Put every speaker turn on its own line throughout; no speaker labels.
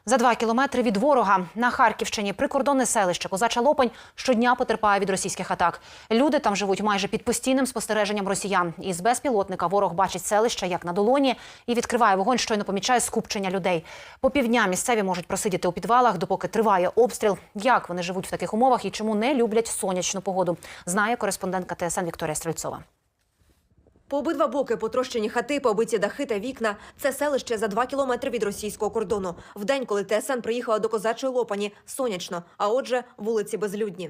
За 2 кілометри від ворога на Харківщині прикордонне селище Козача Лопань щодня потерпає від російських атак. Люди там живуть майже під постійним спостереженням росіян. Із безпілотника ворог бачить селище як на долоні і відкриває вогонь, щойно помічає скупчення людей. По півдня місцеві можуть просидіти у підвалах, допоки триває обстріл. Як вони живуть в таких умовах і чому не люблять сонячну погоду, знає кореспондентка ТСН Вікторія Стрельцова.
По обидва боки потрощені хати, побиті дахи та вікна. Це селище за 2 кілометри від російського кордону. В день, коли ТСН приїхала до Козачої Лопані, сонячно, а отже, вулиці безлюдні.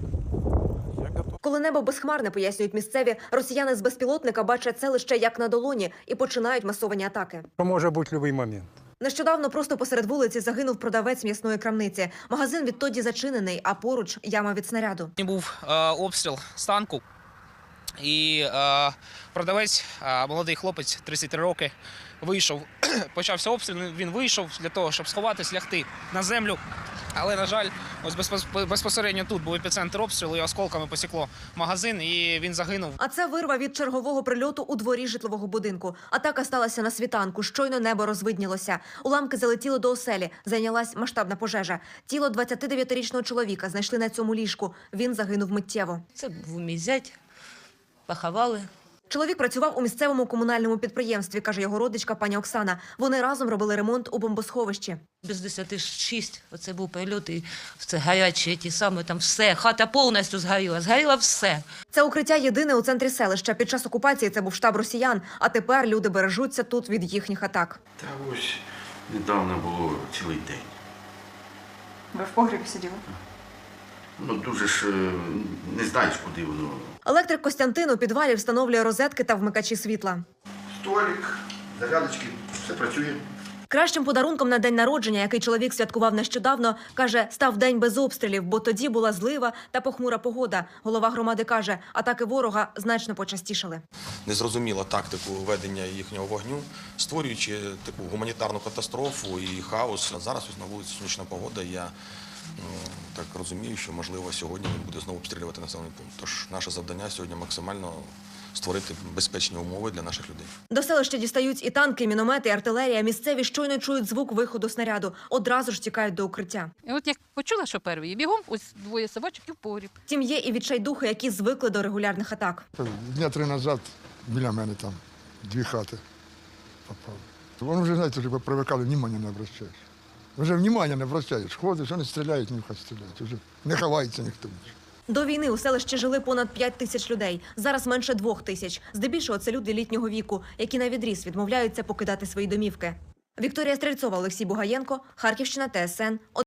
Коли небо безхмарне, пояснюють місцеві, росіяни з безпілотника бачать селище як на долоні і починають масовані атаки.
Може бути будь-який момент.
Нещодавно просто посеред вулиці загинув продавець м'ясної крамниці. Магазин відтоді зачинений, а поруч яма від снаряду.
Був обстріл з танку. І продавець, молодий хлопець, 33 роки, вийшов, почався обстріл, він вийшов для того, щоб сховатись, лягти на землю. Але, на жаль, ось безпосередньо тут був епіцентр обстрілу, і осколками посікло магазин, і він загинув.
А це вирва від чергового прильоту у дворі житлового будинку. Атака сталася на світанку, щойно небо розвиднілося. Уламки залетіли до оселі, зайнялась масштабна пожежа. Тіло 29-річного чоловіка знайшли на цьому ліжку. Він загинув миттєво.
Це був мій зять. Поховали.
Чоловік працював у місцевому комунальному підприємстві, каже його родичка пані Оксана. Вони разом робили ремонт у бомбосховищі.
Без 10:06 оце був прильот, і це гарячі, ті самі, там все, хата повністю згоріла, згоріло все.
Це укриття єдине у центрі селища. Під час окупації це був штаб росіян, а тепер люди бережуться тут від їхніх атак.
Та ось недавно було цілий день.
Ви в погрібі сиділи?
Ну, дуже ж не знаєш, куди воно.
Електрик Костянтин у підвалі встановлює розетки та вмикачі світла.
Столик, зарядочки, все працює.
Кращим подарунком на день народження, який чоловік святкував нещодавно, каже, став день без обстрілів, бо тоді була злива та похмура погода. Голова громади каже, атаки ворога значно почастішали.
Незрозуміла тактику ведення їхнього вогню, створюючи таку гуманітарну катастрофу і хаос. Зараз ось на вулиці сонячна погода, я так розумію, що, можливо, сьогодні він буде знову обстрілювати населений пункт. Тож наше завдання сьогодні максимально створити безпечні умови для наших людей.
До селища дістають і танки, і міномети, і артилерія. Місцеві щойно чують звук виходу снаряду. Одразу ж тікають до укриття.
І от як почула, що перший, бігом ось двоє собачок і в погріб.
Втім, є і відчайдухи, які звикли до регулярних атак.
Дня 3 назад біля мене там 2 хати попали. Вони вже, знаєте, вже привикали, внимання не обращаєш. Вже внимання не обращаєш. Ходиш, вони стріляють, нехай стріляють. Вже не ховається ніхто.
До війни у селищі жили понад 5 тисяч людей. Зараз менше 2 тисяч. Здебільшого це люди літнього віку, які навідріз відмовляються покидати свої домівки. Вікторія Стрельцова, Олексій Бугаєнко, Харківщина, ТСН.